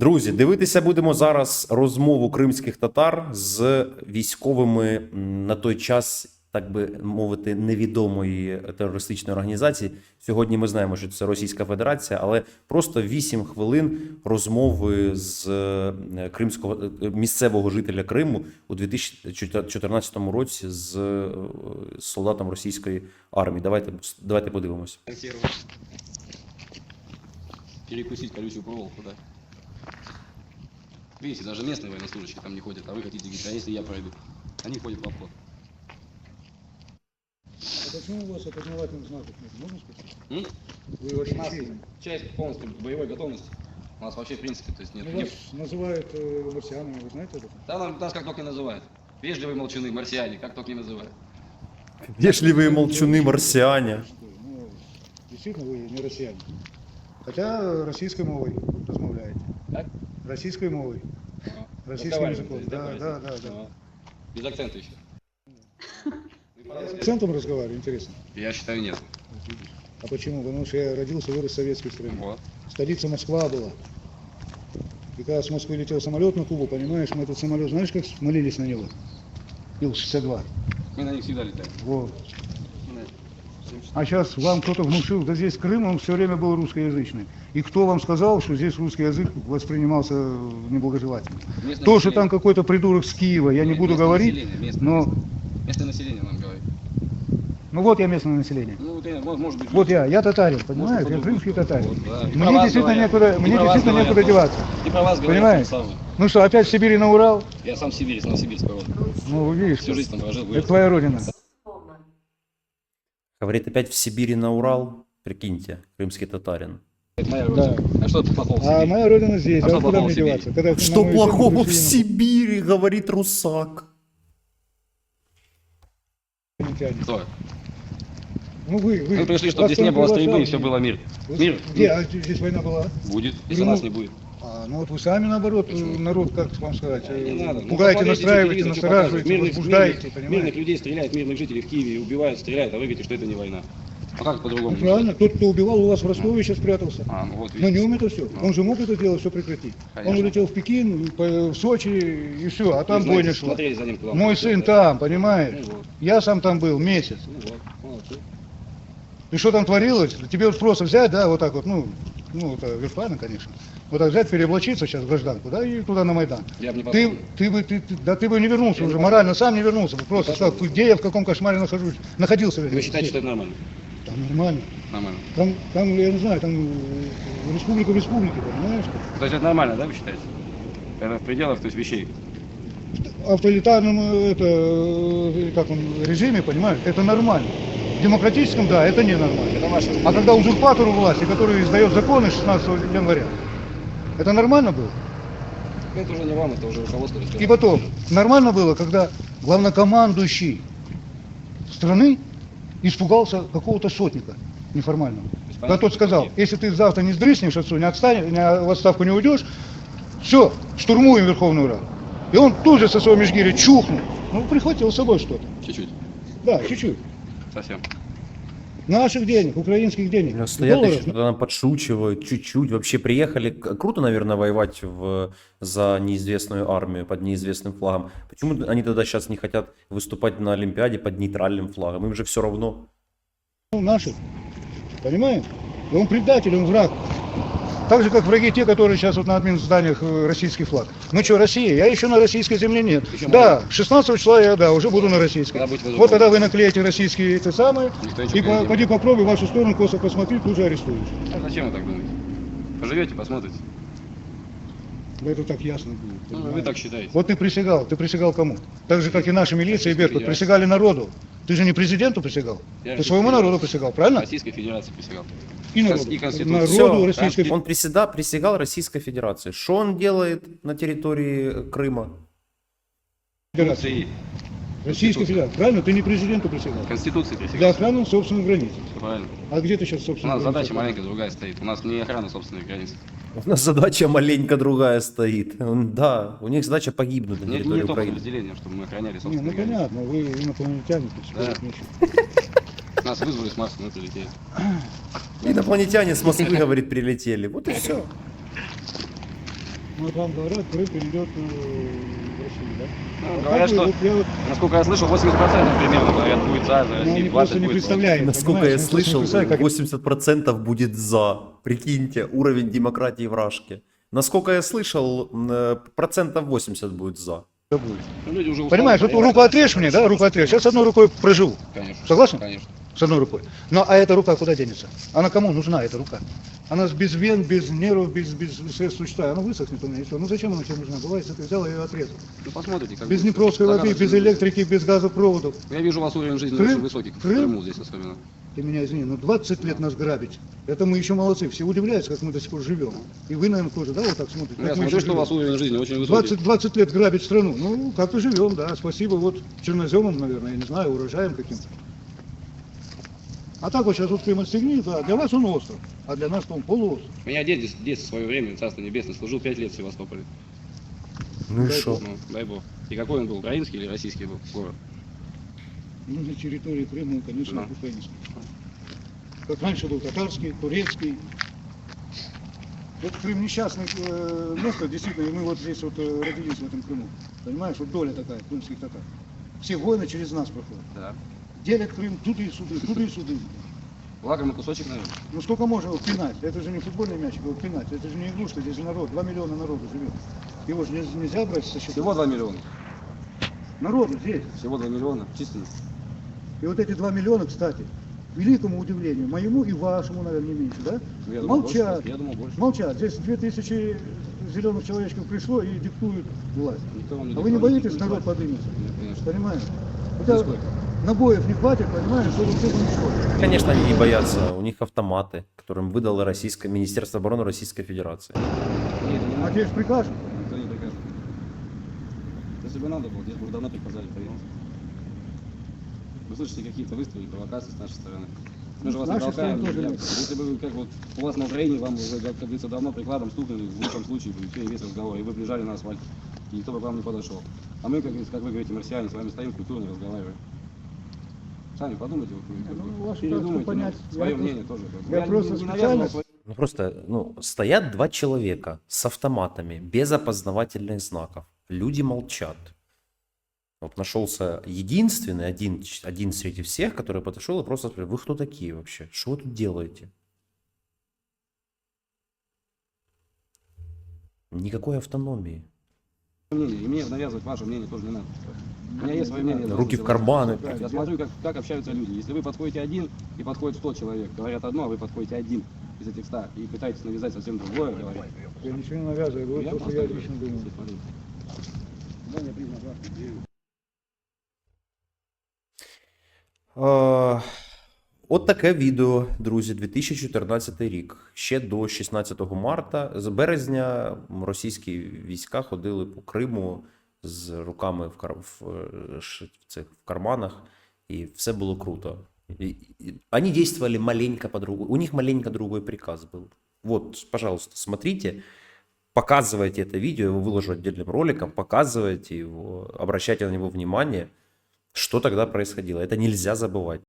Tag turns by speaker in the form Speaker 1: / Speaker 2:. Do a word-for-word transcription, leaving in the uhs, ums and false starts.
Speaker 1: Друзі, дивитися будемо зараз розмову кримських татар з військовими на той час, так би мовити, невідомої терористичної організації. Сьогодні ми знаємо, що це Російська Федерація, але просто вісім хвилин розмови з кримського місцевого жителя Криму у дві тисячі чотирнадцятому році з солдатом російської армії. Давайте, давайте подивимося.
Speaker 2: Перекусить колючую проволоку, да. Видите, даже местные военнослужащие там не ходят, а вы хотите говорить, а если я пройду? Они ходят в обход.
Speaker 3: А почему у вас опознавательных знаков нет? Можно спросить?
Speaker 2: М?
Speaker 3: Вы вообще
Speaker 2: У нас
Speaker 3: чей?
Speaker 2: часть полностью боевой готовности. У нас вообще в принципе, то есть нет.
Speaker 3: Ну,
Speaker 2: нет-
Speaker 3: вас называют э, марсианами, вы знаете об этом?
Speaker 2: Да, нам- нас как только не называют. Вежливые молчуны, марсиане, как только не называют.
Speaker 1: Вежливые молчуны марсиане.
Speaker 3: Ну, действительно, вы не россияне. Хотя российской мовой размовляете.
Speaker 2: Так?
Speaker 3: Российской мовой.
Speaker 2: Ага.
Speaker 3: Российским
Speaker 2: Разговариваем,
Speaker 3: языком.
Speaker 2: то есть,
Speaker 3: Да,
Speaker 2: по-российски?
Speaker 3: да, да, да.
Speaker 2: Ага. Без акцента еще.
Speaker 3: С акцентом разговариваю, интересно.
Speaker 2: Я считаю, нет.
Speaker 3: Вот видишь. А почему? Потому что я родился, вырос в советской стране.
Speaker 2: Вот.
Speaker 3: Столица Москва была. И когда с Москвы летел самолет на Кубу, понимаешь, мы этот самолет, знаешь, как молились на него? Ил шестьдесят два.
Speaker 2: Мы на них всегда летаем.
Speaker 3: Вот.
Speaker 2: Мы на-
Speaker 3: А сейчас вам кто-то внушил, да здесь Крым, он все время был русскоязычный. И кто вам сказал, что здесь русский язык воспринимался неблагожелательно?
Speaker 2: Местное
Speaker 3: То, что
Speaker 2: население-
Speaker 3: там какой-то придурок с Киева, я не
Speaker 2: Нет,
Speaker 3: буду
Speaker 2: местное
Speaker 3: говорить,
Speaker 2: население, местное
Speaker 3: но...
Speaker 2: население. Местное население нам говорит.
Speaker 3: Ну вот я местное население.
Speaker 2: Ну, вот, я- может, может быть...
Speaker 3: Вот я, я татарин,
Speaker 2: может,
Speaker 3: понимаешь? Я
Speaker 2: по-другому.
Speaker 3: крымский татарин.
Speaker 2: Вот, да. И про
Speaker 3: Мне
Speaker 2: вас
Speaker 3: действительно
Speaker 2: говорят.
Speaker 3: некуда,
Speaker 2: И
Speaker 3: мне
Speaker 2: про вас
Speaker 3: действительно
Speaker 2: говорят
Speaker 3: некуда
Speaker 2: тоже.
Speaker 3: деваться.
Speaker 2: И про вас говорят
Speaker 3: Понимаешь?
Speaker 2: то же самое.
Speaker 3: Ну что, опять в Сибири на Урал?
Speaker 2: Я сам сибирец, новосибирск родом.
Speaker 3: Ну, вы видишь,
Speaker 2: Всю жизнь там прожил,
Speaker 3: это
Speaker 2: вырос.
Speaker 3: твоя родина.
Speaker 1: Говорит, опять в Сибири на Урал. Прикиньте, крымский татарин.
Speaker 2: Это моя родина. А что тут плохого в
Speaker 3: А
Speaker 2: Сибири?
Speaker 3: моя родина здесь,
Speaker 2: А
Speaker 3: а,
Speaker 2: что
Speaker 3: куда
Speaker 2: плохого
Speaker 3: мне
Speaker 2: в Сибири?
Speaker 3: деваться? Когда на
Speaker 1: Что
Speaker 3: мою
Speaker 1: плохого
Speaker 3: землю
Speaker 1: в
Speaker 3: пришли
Speaker 1: Сибири, говорит русак.
Speaker 3: инопланетяне.
Speaker 2: Кто?
Speaker 3: Ну вы, вы.
Speaker 2: Мы пришли, чтобы
Speaker 3: вас
Speaker 2: здесь не
Speaker 3: там
Speaker 2: было стрельбы и
Speaker 3: приглашал.
Speaker 2: все было мир.
Speaker 3: Вы-
Speaker 2: Мир
Speaker 3: Где? А здесь война была?
Speaker 2: будет, если
Speaker 3: Ну,
Speaker 2: нас не будет.
Speaker 3: А, ну вот вы сами, наоборот,
Speaker 2: Почему?
Speaker 3: народ, как вам сказать,
Speaker 2: Не
Speaker 3: э,
Speaker 2: надо. Ну,
Speaker 3: пугаете,
Speaker 2: посмотрите,
Speaker 3: настраиваете,
Speaker 2: телевизор, что
Speaker 3: настораживаете,
Speaker 2: показывает. Мирных-
Speaker 3: возбуждаете,
Speaker 2: мирных-
Speaker 3: понимаете?
Speaker 2: Мирных людей стреляют, мирных жителей в Киеве убивают, стреляют, а вы говорите, что это не война. А как
Speaker 3: Ну,
Speaker 2: по-другому?
Speaker 3: правильно, тот, кто убивал, у вас в Ростове сейчас спрятался.
Speaker 2: А, ну вот
Speaker 3: На
Speaker 2: видите.
Speaker 3: нем это все.
Speaker 2: Ну.
Speaker 3: Он же мог это дело все прекратить. Он
Speaker 2: Конечно.
Speaker 3: улетел в Пекин, по- в Сочи и все, а там
Speaker 2: Вы знаете,
Speaker 3: бойня шла.
Speaker 2: смотрели за ним, куда он
Speaker 3: Мой
Speaker 2: улетел,
Speaker 3: сын
Speaker 2: да?
Speaker 3: там, понимаешь?
Speaker 2: Ну вот.
Speaker 3: Я сам там был месяц.
Speaker 2: Ну вот, молодцы.
Speaker 3: И что там творилось? Тебе вот просто взять, да, вот так вот, ну, ну, это виртуально, конечно. Вот так взять, переоблачиться сейчас в гражданку, да, и туда на Майдан.
Speaker 2: Я бы не
Speaker 3: Ты,
Speaker 2: пошел.
Speaker 3: ты бы, ты, ты- да ты бы не вернулся
Speaker 2: Я не
Speaker 3: уже,
Speaker 2: пошел.
Speaker 3: морально сам не вернулся бы. Просто
Speaker 2: пошел.
Speaker 3: сказал, где я, в каком кошмаре нахожусь, находился.
Speaker 2: Вы считаете, что это нормально?
Speaker 3: Там нормально.
Speaker 2: Нормально.
Speaker 3: Там, там, я не знаю, там э, республика в республике, понимаешь?
Speaker 2: То есть это нормально, да, вы считаете? Это в пределах, то есть вещей.
Speaker 3: В авторитарном э, это, э, как он, режиме, понимаешь, это нормально. В демократическом, да, это ненормально.
Speaker 2: Это ваше.
Speaker 3: А когда узурпатору власти, который издает законы шестнадцатого января, это нормально было?
Speaker 2: Это уже не вам, это уже руководство.
Speaker 3: И
Speaker 2: разбирается.
Speaker 3: потом, нормально было, когда главнокомандующий страны испугался какого-то сотника неформального. Когда тот сказал, если ты завтра не сдрыснешь отцу, не отстанешь, не в отставку не уйдешь, все, штурмуем Верховную Раду. И он тут же со своего межгиря чухнул. Ну, прихватил с собой что-то.
Speaker 2: Чуть-чуть.
Speaker 3: Да, чуть-чуть.
Speaker 2: Совсем.
Speaker 3: Наших денег, украинских денег.
Speaker 1: Ну, стоят
Speaker 3: долларов.
Speaker 1: еще, там подшучивают, чуть-чуть. Вообще приехали. К- Круто, наверное, воевать в, за неизвестную армию, под неизвестным флагом. Почему они тогда сейчас не хотят выступать на Олимпиаде под нейтральным флагом? Им же все равно.
Speaker 3: Ну, наших. Понимаешь? И он предатель, он враг. Так же, как враги те, которые сейчас вот на админ зданиях э, российский флаг. Ну что, Россия? Я еще на российской земле нет.
Speaker 2: Еще
Speaker 3: Да, шестнадцатого числа я, да, уже буду на российской.
Speaker 2: Когда будете
Speaker 3: Вот
Speaker 2: возможно.
Speaker 3: тогда вы наклеите российские эти самые,
Speaker 2: Никто ничего
Speaker 3: и
Speaker 2: не
Speaker 3: по-
Speaker 2: делает.
Speaker 3: поди попробуй в вашу сторону косо посмотри, тут же арестуешь.
Speaker 2: А зачем вы так думаете? Поживете, посмотрите.
Speaker 3: Да это так ясно будет.
Speaker 2: Ну, вы
Speaker 3: понимаешь?
Speaker 2: так считаете.
Speaker 3: Вот ты присягал, ты присягал кому? Так же, как и наша милиция и
Speaker 2: Российской
Speaker 3: Беркут,
Speaker 2: Федерации.
Speaker 3: присягали народу. Ты же не президенту присягал,
Speaker 2: Я
Speaker 3: ты
Speaker 2: Российской
Speaker 3: своему народу
Speaker 2: Федерации.
Speaker 3: присягал, правильно?
Speaker 2: Российской Федерации присягал.
Speaker 3: И народу.
Speaker 2: И Конституции.
Speaker 3: Народу
Speaker 1: Всё,
Speaker 3: Российской
Speaker 1: Он приседа, присягал Российской Федерации. Что он делает на территории Крыма?
Speaker 3: Федерации.
Speaker 2: Конституции.
Speaker 3: Российской Федерации, правильно? Ты не президенту присягал.
Speaker 2: Конституции
Speaker 3: Для
Speaker 2: присягал.
Speaker 3: охраны собственных границ.
Speaker 2: Всё правильно.
Speaker 3: А где ты сейчас
Speaker 2: У
Speaker 3: собственно?
Speaker 2: нас задача маленькая другая стоит. У нас не охрана собственных границ.
Speaker 1: У нас задача маленько другая стоит. Он- Да, у них задача погибнуть на
Speaker 2: Не, не
Speaker 1: территории
Speaker 2: то
Speaker 1: Украины.
Speaker 2: подразделение, чтобы мы охраняли
Speaker 3: Не,
Speaker 2: собственные
Speaker 3: ну
Speaker 2: границы.
Speaker 3: понятно, вы инопланетяне, то есть
Speaker 2: Да.
Speaker 3: вы ничего.
Speaker 2: Нас вызвали с Марса, мы прилетели.
Speaker 1: Инопланетяне с Москвы, говорит, прилетели. Вот и все.
Speaker 3: Ну, вот вам говорят, Крым перейдет э, в Россию, да?
Speaker 2: Ну,
Speaker 3: А
Speaker 2: говорят,
Speaker 3: как вы-
Speaker 2: что,
Speaker 3: вот я вот,
Speaker 2: насколько я слышал, восемьдесят процентов примерно говорят, будет за, за
Speaker 3: ну,
Speaker 2: Россию,
Speaker 3: они просто
Speaker 2: двадцать
Speaker 3: не
Speaker 2: будет против.
Speaker 3: представляют.
Speaker 1: Насколько я
Speaker 3: понимаешь? Они просто не
Speaker 1: слышал,
Speaker 3: представляют, как
Speaker 1: восемьдесят процентов будет за. Прикиньте, уровень демократии в Рашке. Насколько я слышал, м, э, процентов восемьдесят будет за.
Speaker 3: это будет.
Speaker 2: Ну, люди уже устали,
Speaker 3: Понимаешь, вот
Speaker 2: понимаете?
Speaker 3: руку отрежь мне, да, руку отрежь. Сейчас одной рукой проживу.
Speaker 2: Конечно.
Speaker 3: Согласен?
Speaker 2: Конечно.
Speaker 3: С одной рукой. Ну, а эта рука куда денется? Она кому нужна, эта рука? Она без вен, без нервов, без, без средств существа. Она высохнет у меня, и все. Ну, зачем она тебе нужна? Бывает, ты взял ее и отрезал.
Speaker 2: Ну, посмотрите, как
Speaker 3: Без
Speaker 2: будет.
Speaker 3: Днепровской воды,
Speaker 2: Загадочно
Speaker 3: без
Speaker 2: будет.
Speaker 3: электрики, без газопроводов.
Speaker 2: Я вижу, у вас уровень жизни
Speaker 3: Крым?
Speaker 2: очень высокий, в
Speaker 3: Крым?
Speaker 2: Крыму здесь особенно.
Speaker 3: Ты меня извини, но двадцать лет нас грабить. Это мы еще молодцы. Все удивляются, как мы до сих пор живем. И вы, наверное, тоже, да, вот так смотрите.
Speaker 2: Ну, я
Speaker 3: как мы
Speaker 2: смотрю,
Speaker 3: еще
Speaker 2: что у вас
Speaker 3: живем.
Speaker 2: уровень жизни очень высокий.
Speaker 3: двадцать, двадцать лет грабить страну. Ну, как-то живем, да. Спасибо вот черноземам, наверное, я не знаю, урожаем каким-то. А так вот сейчас вот Крым отстегни, да, для вас он остров, а для нас он полуостров.
Speaker 2: У меня дед в детстве в свое время, царство небесное, служил пять лет в Севастополе.
Speaker 1: Ну и
Speaker 3: Дай
Speaker 1: что?
Speaker 2: Ну, дай бог. И какой он был, украинский или российский был город?
Speaker 3: Ну, на территории Крыма, конечно,
Speaker 2: Да.
Speaker 3: украинский. Как раньше был татарский, турецкий. Вот Крым несчастное э, место, действительно, и мы вот здесь вот э, родились в этом Крыму. Понимаешь, вот доля такая, крымских татар. Все войны через нас проходят.
Speaker 2: Да.
Speaker 3: Делят Крым туды и суды, туды и суды.
Speaker 2: Лакомый кусочек, наверное.
Speaker 3: Ну сколько можно его пинать? Это же не футбольный мячик, его пинать. Это же не игрушка, здесь же народ, два миллиона народу живет. Его же не- нельзя брать со счета.
Speaker 2: Всего два миллиона.
Speaker 3: Народу здесь.
Speaker 2: Всего два миллиона численность.
Speaker 3: И вот эти два миллиона, кстати, к великому удивлению, моему и вашему, наверное, не меньше, да?
Speaker 2: Ну, я думал,
Speaker 3: Молчат.
Speaker 2: больше. Я думал, больше.
Speaker 3: Молчат. Здесь две тысячи зеленых человечков пришло и диктуют власть.
Speaker 2: Никто вам
Speaker 3: А вы не
Speaker 2: диктует,
Speaker 3: боитесь,
Speaker 2: никто не
Speaker 3: народ
Speaker 2: платит.
Speaker 3: поднимется?
Speaker 2: Нет, конечно.
Speaker 3: Понимаешь? Хотя
Speaker 2: Нисколько.
Speaker 3: набоев не хватит, понимаешь, чтобы все уничтожить.
Speaker 1: Конечно, они не боятся. У них автоматы, которым выдало Российское Министерство обороны Российской Федерации.
Speaker 2: Нет, не
Speaker 3: А
Speaker 2: надо.
Speaker 3: тебе же прикажут.
Speaker 2: Никто не прикажет. Если бы надо было, здесь бы уже давно приказали проверить. Вы слышите какие-то выстрелы, провокации с нашей стороны. Мы же вас
Speaker 3: С
Speaker 2: не
Speaker 3: нашей
Speaker 2: толкаем.
Speaker 3: стороны тоже
Speaker 2: я-
Speaker 3: нет.
Speaker 2: Если бы вы, как вот у вас на Украине, вам уже, как говорится, давно прикладом стукнули, в лучшем случае, и все, и весь разговор, и вы бежали на асфальт, и никто бы к вам не подошел. А мы, как, говорится, как вы говорите, марсиане, с вами стоим, культурно разговариваем. Сами подумайте, вот, вы, как
Speaker 3: Ну,
Speaker 2: бы,
Speaker 3: вашу
Speaker 2: передумайте,
Speaker 3: тактику понять.
Speaker 2: ну,
Speaker 3: Я
Speaker 2: свое
Speaker 3: просто-
Speaker 2: мнение тоже. как бы.
Speaker 3: я просто
Speaker 2: не, не
Speaker 3: специально-
Speaker 2: навязывал свое.
Speaker 1: Ну просто, ну, стоят два человека с автоматами, без опознавательных знаков. Люди молчат. Вот нашелся единственный, один, один среди всех, который подошел и просто спросил: вы кто такие вообще? Что вы тут делаете? Никакой автономии.
Speaker 2: мнение, и мне навязывать ваше мнение тоже не надо. У меня есть свое мнение. я
Speaker 1: Руки в
Speaker 2: должен
Speaker 1: карманы.
Speaker 2: делать. Я смотрю, как, как общаются люди. Если вы подходите один и подходит сто человек, говорят одно, а вы подходите один из этих ста и пытаетесь навязать совсем другое, говорить.
Speaker 3: Я ничего не навязываю,
Speaker 2: Ну,
Speaker 3: говорю
Speaker 2: я
Speaker 3: то, что
Speaker 2: просто
Speaker 3: я
Speaker 2: говорю,
Speaker 3: лично думаю.
Speaker 2: если смотреть.
Speaker 1: Е, От таке відео, друзі, дві тисячі чотирнадцятий рік. Ще до шістнадцятого марта, з березня російські війська ходили по Криму з руками в, кар... в, е, ш- в цих в карманах, і все було круто. И, и, они действовали маленько по-другому. У них маленько другой приказ был. Вот, пожалуйста, смотрите, показывайте это видео, я его выложу отдельным роликом, показывайте его, обращайте на него внимание, что тогда происходило. Это нельзя забывать.